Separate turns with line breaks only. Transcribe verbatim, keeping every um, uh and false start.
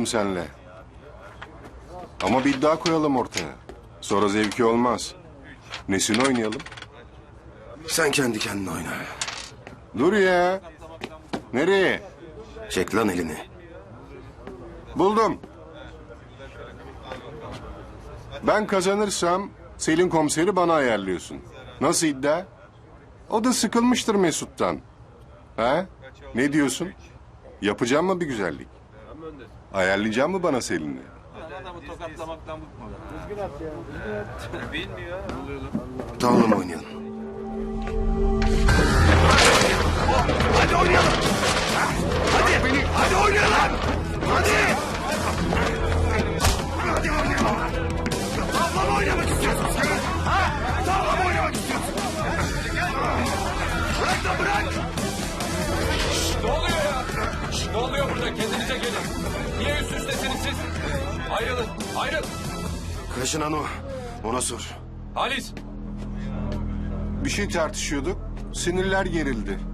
senle. Ama bir iddia koyalım ortaya. Sonra zevki olmaz. Nesini oynayalım?
Sen kendi kendine oyna.
Dur ya. Nereye?
Çek lan elini.
Buldum. Ben kazanırsam Selin komiseri bana ayarlıyorsun. Nasıl iddia? O da sıkılmıştır Mesut'tan. Ha? Ne diyorsun? Yapacağım mı bir güzellik? Ayarlayacağım mı bana Selin'i?
Adamı tokatlamaktan bıkmadı. Bilmiyor.
Tavla mı oynayalım?
Hadi oynayalım. Hadi beni. Hadi oynayalım. Hadi. Hadi oynayalım. Tavla mı oynamak istiyorsun sen? Ha? Tavla mı oynamak istiyorsun? Bırak da bırak.
Ne oluyor ya? Ne oluyor burada? Kendinize gelin. Niye üst üstesiniz siz? Ayrılın. Ayrıl.
Kaşınan o. Ona sor.
Halis.
Bir şey tartışıyorduk. Sinirler gerildi.